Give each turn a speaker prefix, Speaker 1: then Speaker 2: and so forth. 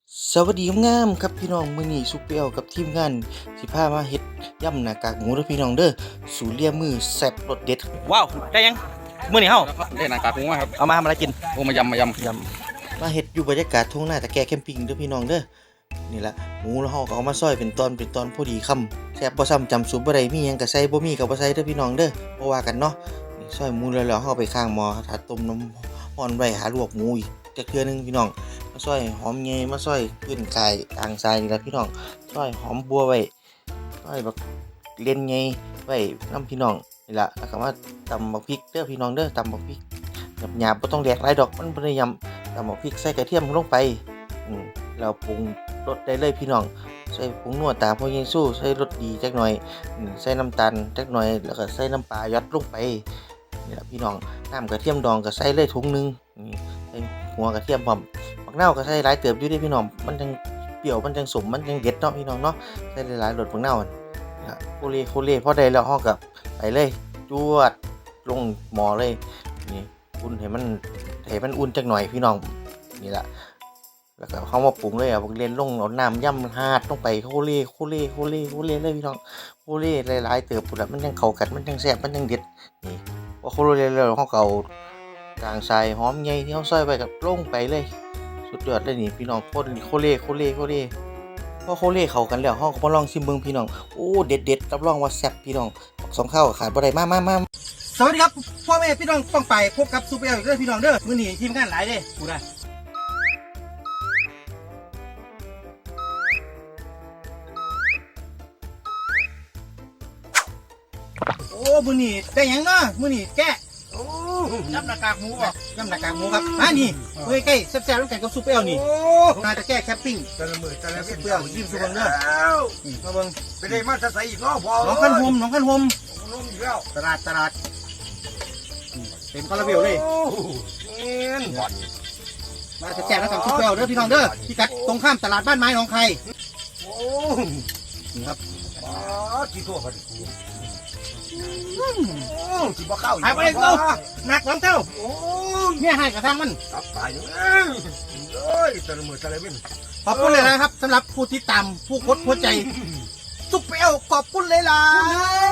Speaker 1: สวัสดีงามครับพี่น้องมื้อนี้ซุปเปอร์กับทีมงานสิพามาเฮ็ดยำหน้ากากหมูเด้อพี่น้องเด้อสูตรเลียมือแซ่บรสเด็ดว้าวได้ยังมื้อนี้เฮา
Speaker 2: ได้หนังกากหมูมาครับ
Speaker 1: เอามาทำอะไรกิน
Speaker 2: โอ้มายำ
Speaker 1: ยำมาเฮ็ดอยู่บรรยากาศทุ่งนาตะแกแคมปิ้งเด้อพี่น้องเด้อนี่ล่ะหมูแล้วเฮาก็เอามาซอยเป็นตอนพอดีคำแซ่บบ่ซ้ำจำสูตรบ่ได้มีหยังก็ใส่บ่มีก็บ่ใส่เด้อพี่น้องเด้อบ่ว่ากันเนาะนี่ซอยหมูแล้วเฮาไปข้างหม้อถ้าต้มน้ำร้อนไว้หาลวกหมูอีกจักเทื่อนึงพี่น้องมาซอยหอมใหญ่มาซอยขึ้นไก่อ่างทรายนี่ล่ะพี่น้องซอยหอมบัวไว้ซอยบักเล่นใหญ่ไว้นำพี่น้องนี่ล่ะแล้วก็มาตำบักพริกเด้อพี่น้องเด้อตำบักพริกหยาบๆบ่ต้องแดกหลายดอกมันบ่ได้ยำตำบักพริกใส่กระเทียมลงไปแล้วปรุงรสได้เลยพี่น้องใส่ผงนัวตามพ่อเยซูใส่รสดีจักหน่อยใส่น้ำตาลจักหน่อยแล้วก็ใส่น้ำปลายัดลงไปนี่ล่ะพี่น้องน้ำกระเทียมดองก็ใส่เลยถุงนึงใส่หัวกระเทียมพร้อมบักนาวก็ใส่หลายเติบอยู่เด้พี่น้องมันจังเปรี้ยวมันจังสมมันจังเด็ดเนาะพี่น้องเนาะใส่หลายๆรสบักนาวโคเลพอได้แล้วเฮาก็ไปเลยจวดลงหม้อเลยนี่อุ่นให้มันอุ่นจักหน่อยพี่น้องนี่ล่ะแล้วก็เขามาปรุงเลยพวกเล่นลงเอาน้ำย่ำหาดลงไปโคเลเลยพี่น้องโคเลหลายๆเติบพุ่นล่ะมันจังเข้ากันมันจังแซ่บมันจังเด็ดนี่พอโคเลแล้วเฮาก็เอากลางทรายหอมใหญ่ที่เฮาซอยไปกับลงไปเลยสุดยอดเลยนี่พี่น้องโคเลพอโคเลเข้ากันแล้วเฮาก็มาลองชิมเบิ่งพี่น้องโอ้เด็ดรับรองว่าแซ่บพี่น้องสองข้าวขาดบ่ได้มา
Speaker 3: สวัสดีครับพ่อแม่พี่น้องป้องไปพบกับซูเปอร์อีกเด้อพี่น้องเด้อมื้อนี้ทีมงานหลายเด้กูได้โอ้มื้อนี้ได้หยังเนาะมื้อนี้แกะโอ้ยำหน้ากากหมูบ่ยำหน้ากากหมูครับนี่เฮ้ยใกล้แซ่บๆแล้วกันกับซูเปอร์นี่น่าจะแก้แคปปิ้งแต่ละมื้อซูเปอร์ยิ้มซูเปอร์เด้อมาเบิ่งไปได้มาจะใส่อีกเนาะพอน้องคันห่มอีกแล้วตลาดเต็มคาราเบลเลยมาจะแจกแล้วสั่งซุปเปอร์เด้อพี่น้องเด้อพี่กัดตรงข้ามตลาดบ้านไม้หนองไข่นี่ครับกี่ตัวพอดีจีบข้าวหายไปเลยกูหนักหลังเท่าเนี่ยให้กระทั่งมันตับตายอยู่แต่ละมือแต่ละวินขอบคุณเลยนะครับสำหรับผู้ที่ตามผู้กดหัวใจซุปเปอร์ขอบคุณเลยล่ะ